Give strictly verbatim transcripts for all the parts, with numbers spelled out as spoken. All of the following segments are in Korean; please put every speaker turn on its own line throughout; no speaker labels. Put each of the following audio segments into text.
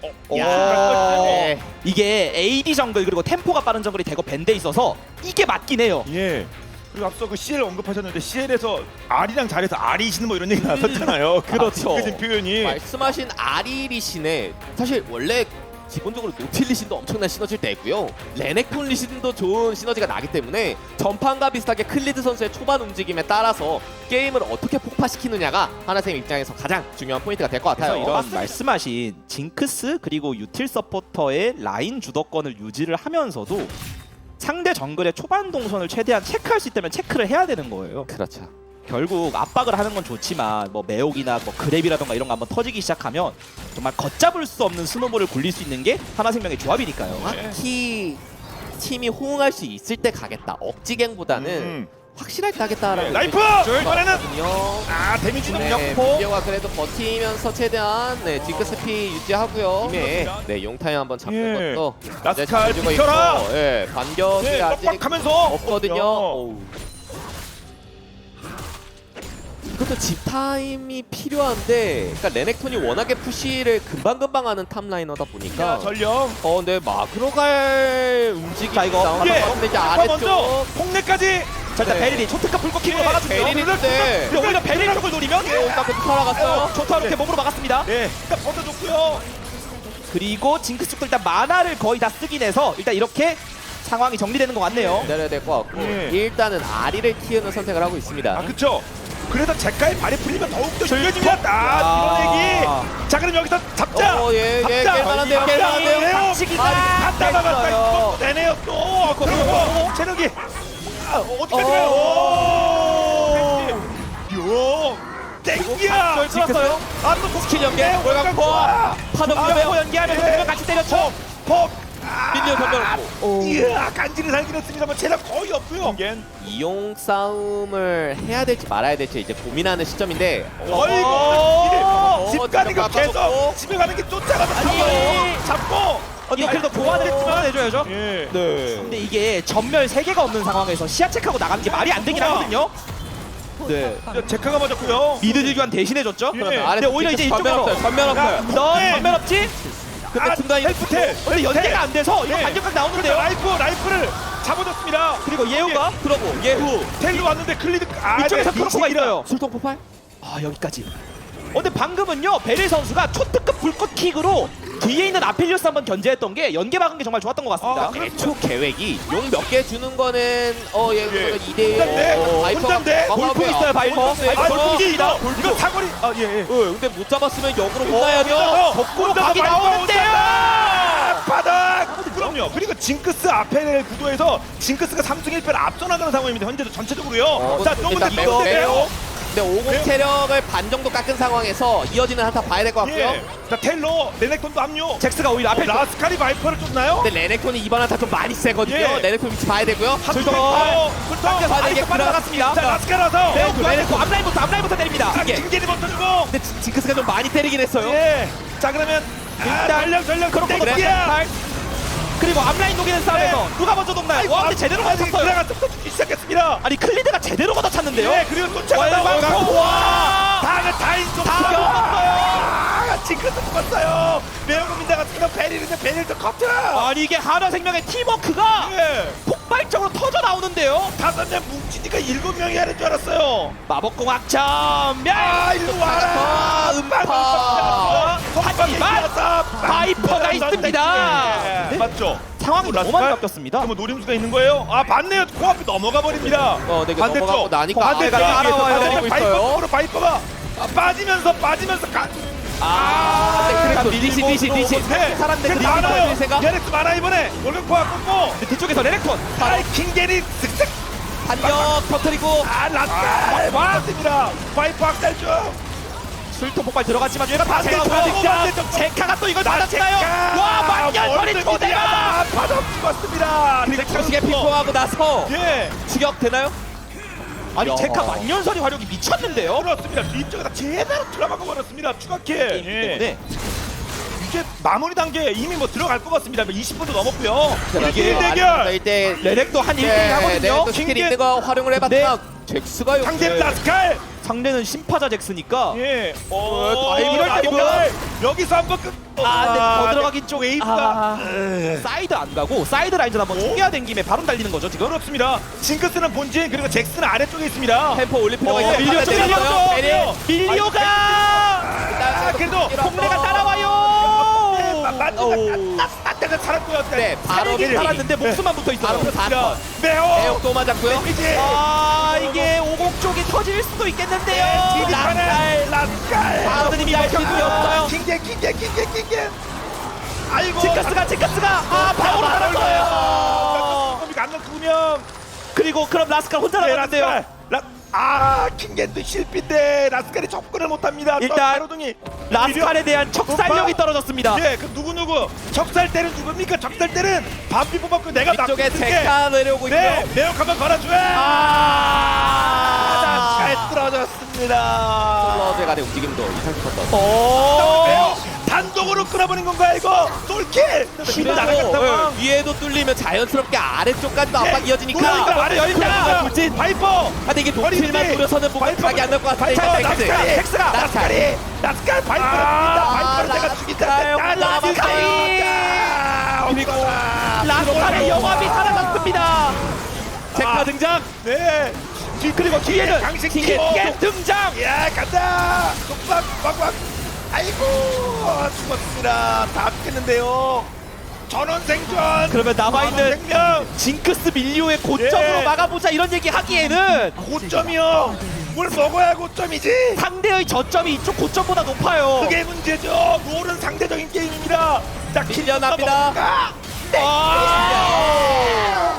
어,
야,
네.
이게 에이디 정글 그리고 템포가 빠른 정글이 대거 밴드에 있어서 이게 맞긴 해요.
예. 그리고 앞서 그 씨엘 언급하셨는데 씨엘에서 R이랑 잘해서 R이신 뭐 이런 얘기 나왔잖아요.
그렇죠.
그 표현이.
말씀하신 아리리신에 사실 원래 기본적으로 노틸리신도 엄청난 시너지를 내고요. 레넥톤 리신도 좋은 시너지가 나기 때문에 전판과 비슷하게 클리드 선수의 초반 움직임에 따라서 게임을 어떻게 폭파시키느냐가 하나쌤 입장에서 가장 중요한 포인트가 될 것
그래서
같아요.
이런 말씀하신 징크스 그리고 유틸 서포터의 라인 주도권을 유지를 하면서도 상대 정글의 초반 동선을 최대한 체크할 수 있다면 체크를 해야 되는 거예요.
그렇죠.
결국 압박을 하는 건 좋지만 뭐 매혹이나 뭐 그랩이라던가 이런 거 한번 터지기 시작하면 정말 걷잡을 수 없는 스노볼을 굴릴 수 있는 게 하나생명의 조합이니까요.
정확히 팀이 호응할 수 있을 때 가겠다. 억지갱보다는
음.
확실할 때 하겠다라고.
네, 라이프! 이번에는 아 데미지
네,
능력포.
비디오가 그래도 버티면서 최대한 네, 징크스피 유지하고요. 네, 네 용타임 한번 잡는
예.
것도
라스칼
이제 가지고
비켜라!
있고, 예, 반격이
네,
아직
빡빡하면서
없거든요. 어우. 이것도 집 타임이 필요한데, 그러니까 레넥톤이 워낙에 푸시를 금방금방 하는 탑라이너다 보니까
자, 전령.
어, 네 막으로 갈 움직임이
자, 이거
나오는
예.
것 같은데 이제
아빠 먼저
아래쪽
폭내까지.
자, 일단
네.
베릴이 초특급 불꽃킥으로
네,
막아주죠.
베릴인데.
근데 오히려 베릴 쪽을 노리면
오다크 살아갔어요.
좋다 이렇게 몸으로 막았습니다.
네. 일단 버텨줬고요.
그리고 징크스 쪽도 일단 만화를 거의 다 쓰긴 해서 일단 이렇게 상황이 정리되는 것 같네요.
기다려야 될 것 같고
예.
일단은 아리를 키우는 선택을 하고 있습니다.
아 그쵸. 그래서 제카의 발이 풀리면 더욱더 유려집니다. 아 이런 얘기. 자 그럼 여기서 잡자.
어, 예, 예,
잡자.
깰만한데요,
잡자.
깰만한데요.
네요.
박치기가
아, 갔다 나갔다
됐어요.
이거 내네요 또. 그리고 체력이 아, 어디까지 가요? 오. 요. 땡기야.
끌었어요.
아또
스킬 연계, 월광포, 파동
아,
유배우,
연기하면서 두명 같이 때렸죠.
퍽.
민니언 전멸했고.
이야 간지를 살긴 했습니다만 체력 거의 없고요.
이용 싸움을 해야 될지 말아야 될지 이제 고민하는 시점인데
어이구
어,
집 가는 거
진짜
계속
빠졌고.
집에 가는 게 쫓아가서
아니.
잡고 잡고
언니 그래도 보완을 했지만 해줘야죠.
예.
네.
근데 이게 전멸 세 개가 없는 상황에서 시야 체크하고 나가는 게 말이 안 되긴 하거든요. 네.
제카가 맞았고요.
미드 딜교환 대신해줬죠.
예.
근데
아래
오히려 이제
전면
이쪽으로
없어요. 전면 없어요.
너
네.
전멸 없지?
근데
아,
중간에
헬프텔.
근데 연계가 안 돼서 이거
네.
반격각
그러니까
나오는데요.
라이프 라이프를 잡아줬습니다.
그리고 예우가
그러고 예후
텔로 왔는데 클리드 아
이쪽에서
네,
크로커가
미치기라.
있어요.
술통 폭발?
아 여기까지. 어, 근데 방금은요 베릴 선수가 초특급 불꽃킥으로 뒤에 있는 아필리우스 한번 견제했던 게 연계 막은 게 정말 좋았던 것 같습니다.
아, 그래.
애초 계획이 용 몇 개 주는 거는 어예
예.
이 대 일
혼잔데? 혼잔데?
골프 있어요, 바이퍼.
아
바이퍼.
골프 이거 이거 사거리 아예 예.
근데 못 잡았으면 역으로 혼나야죠.
거꾸로 각이 나오는데요.
바닥! 그럼요. 그리고 징크스 앞에 구도에서 징크스가 삼승 일 패를 앞서 나가는 상황입니다. 현재도 전체적으로요.
어,
자,
일단
너무
매우,
백대요.
매우. 근데 오공
네.
체력을 반 정도 깎은 상황에서 이어지는 한타 봐야 될 것 같고요.
예. 자, 텔로 레넥톤도 압류.
잭스가 오히려 앞에
라스카리 바이퍼를 쫓나요?
근데 레넥톤이 이번 한타 좀 많이 세거든요.
예.
레넥톤 위치 봐야 되고요.
술통 술통
받아, 이게
아이스 빠져나갔습니다.
자, 라스카라서
네, 레넥톤 앞라인부터 앞라인부터 때립니다.
자, 징계리 버텨주고.
근데 지- 징크스가 좀 많이 때리긴 했어요.
예. 자, 그러면 일단 전력 전력
그렇고
땡기야.
그리고 앞라인 녹이는 싸움에서 누가 먼저 녹나요? 와 근데 제대로 걷었어요.
들어가서 터지기 시작했습니다.
아니 클리드가 제대로 걷어찼는데요.
네, 그리고 쫓아가다가
월광포. 와.
다가 다인 좀
다
아, 징크스 죽었어요. 매운민다 같은 거 베릴인데 베릴도 커트.
아니 이게 하나생명의 팀워크가
예.
폭발적으로 터져 나오는데요.
다섯 명 뭉치니까 일곱 명이 하는 줄 알았어요.
마법공학 전멸.
아, 일로 와라.
음파.
하지만 바이퍼가 있습니다.
네. 맞죠?
상황이 너무 많이
라스칼?
바뀌었습니다.
그러면 노림수가 있는 거예요? 아, 맞네요. 코앞이 넘어가 버립니다.
어, 네, 넘어가고 나니까
반대쪽
아래가
위에서
따라와요.
반대쪽
있어요.
바이퍼 바이퍼가 아, 빠지면서 빠지면서 가.
아, 근데 그래도
밀고
디시 디시 디시
네.
사람들
근데
그리고
많아요.
디시가
게렉스 많아 이번에. 올림포가 끊고.
근데 뒤쪽에서 레넥톤.
아이 킹게리 쓱쓱.
반격 터뜨리고
아, 라스칼 맞습니다. 바이퍼 학살 중.
술통 폭발 들어갔지만 얘가 다
반대쪽,
제가
반대쪽.
제카가 또 이걸
나
받았나요?
제카.
와 만년설이
월드
초대가.
미디어다. 받아 죽었습니다.
거시게 핑퐁하고 나서
예.
추격 되나요?
아니
야.
제카 만년설이 화력이 미쳤는데요.
그렇습니다. 뒤쪽에다 제대로 들어가고 버렸습니다. 추가킬. 예.
네.
이제 마무리 단계 이미 뭐 들어갈 것 같습니다. 이십 분도 넘었고요.
이게
일 대결.
일 대
레넥도 한 일 대 일 하거든요.
네, 스킬
킹게-
있는 거 활용을 해봤지만 잭스가
상대
역시
라스칼.
상대는 심파자 잭스니까
예.
어,
오,
이럴 때
라스칼. 여기서 한번 끝.
아, 근데 더 들어가긴 좀
웨이브가
아,
에.
사이드 안 가고 사이드 라인전 한번 초기화 된 김에 바로 달리는 거죠 지금.
그렇습니다. 징크스는 본진 그리고 잭스는 아래쪽에 있습니다.
템포 올릴 필요가
어,
있어요.
밀려,
바깥에
밀려,
내려가요.
밀려.
베리.
밀리오가
아, 그래도
동네가 따라와요.
맞는 맞다가 살았고요.
네, 바로
살긴
밀리.
살았는데 목숨만 붙어 있어요.
바로 사 번.
매호.
매혹 또 맞았고요.
이제
아, 이게 오공 쪽이 터질 수도 있겠는데요.
라스칼 라스칼.
아드님이 알 수도 없어요.
킹게 킹게 킹게 킹게. 아이고.
징크스가 징크스가 아 바로 날았어요.
안 넣으면
그리고 그럼 라스칼 혼자
네,
남았는데요.
라스칼. 라, 아 킹겐도 실패인데 라스칼이 접근을 못합니다.
일단
가로등이
라스칼에 대한 척살력이 떨어졌습니다.
예, 그 누구 누구 적살 때는 누굽니까? 적살 때는 반피 뽑았고 내가
이쪽에
낚은 게.
제카 내려오고
네,
있고요.
매혹 한번 걸어줘야.
아,
잘 떨어졌습니다.
플러제 간의 움직임도 이상 싶었던.
오.
매혹 단독으로 끌어버린 건가 이거? 솔킬.
그리고
날아간 상황.
예, 위에도 뚫리면 자연스럽게 아래쪽까지도 압박
예,
이어지니까.
그러니까 아래 열린다.
돌진.
파이퍼.
근데 이게 노틸만
버리지.
노려서는 뭔가 각이 안 날 것 같은데. 일단 넥스.
라스칼이.
넥스가.
라스칼이. 라스칼 파이퍼를 죽인다. 파이퍼를 내가
라스칼.
죽인다.
라스칼이.
그리고
라스칼의 영합이 사라졌습니다.
제카 등장.
네. 뒤 그리고 뒤에는 강식
킹게, 킹게
등장. 야 간다. 속박 꽉꽉. 아이고 죽었습니다. 다 죽겠는데요. 전원 생존.
그러면 남아있는
전원 생명.
징크스 밀리오의 고점으로
예.
막아보자 이런 얘기 하기에는
고점이요. 뭘 먹어야 고점이지.
상대의 저점이 이쪽 고점보다 높아요.
그게 문제죠. 롤은 상대적인 게임입니다. 자,
밀려납니다.
먹을까? 네.
아,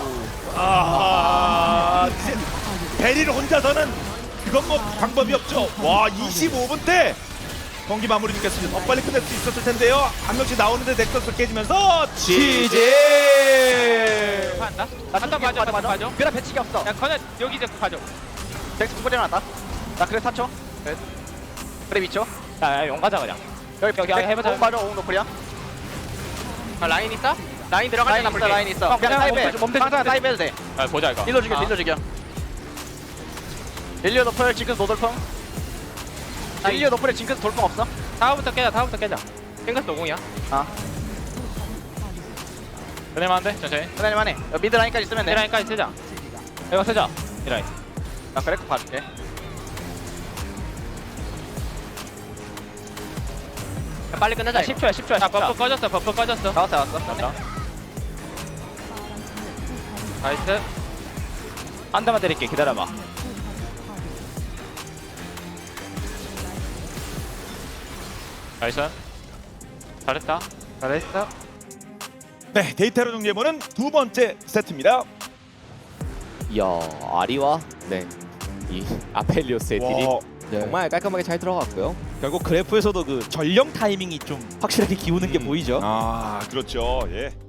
아, 이제 베리를 혼자서는 그건 뭐 방법이 없죠. 와, 이십오 분 때 경기 마무리 짓겠습니다. 더 빨리 끝낼 수 있었을 텐데요. 한 명씩 나오는데 넥서스 깨지면서
지지.
한다? 나 한번 봐줘, 한번 봐줘.
그래 배치기 없어.
야, 커넷 여기 이제 봐줘.
넥스 두번 일어났다. 나 그래 사 초. 그래 이 초.
야, 야, 용 가자 그냥.
여기
여기
넥-
해보자.
오공 봐줘. 오공 노플이야.
아, 라인 있어? 라인 들어갈
라인
때
있어.
나쁠게.
라인 있어.
형,
그냥
그냥
사이베.
멈춰, 멈춰,
항상
멈춰.
사이베 해도 돼.
아, 보자 이거.
딜러 죽여.
아.
딜러 죽여. 릴리오 노플 징크스 노돌펑.
아,
릴리오 노플에 징크스 돌펑 없어?
다음부터 깨자, 다음부터 깨자. 핑크스 오공이야.
아.
그래만 돼, 천천히.
그다음에 해. 미드 라인까지 쓰면
이
돼.
라인까지 쓰자. 이거 쓰자. 이 라인.
나 그래 꼭 봐줄게.
빨리 끝내자. 십 초야, 십 초야. 야, 버프 꺼졌어, 버프 꺼졌어.
나왔어 나왔어.
나이스.
한 대만 때릴게. 기다려봐.
나이스. 잘했다.
잘했어.
네, 데이터로 정리해보는 두 번째 세트입니다.
이야, 아리와 네. 이 아펠리오스의 딜이
와,
정말 깔끔하게 잘 들어갔고요.
결국 그래프에서도 그 전령 타이밍이 좀 확실하게 기우는 게
음.
보이죠.
아, 그렇죠. 예.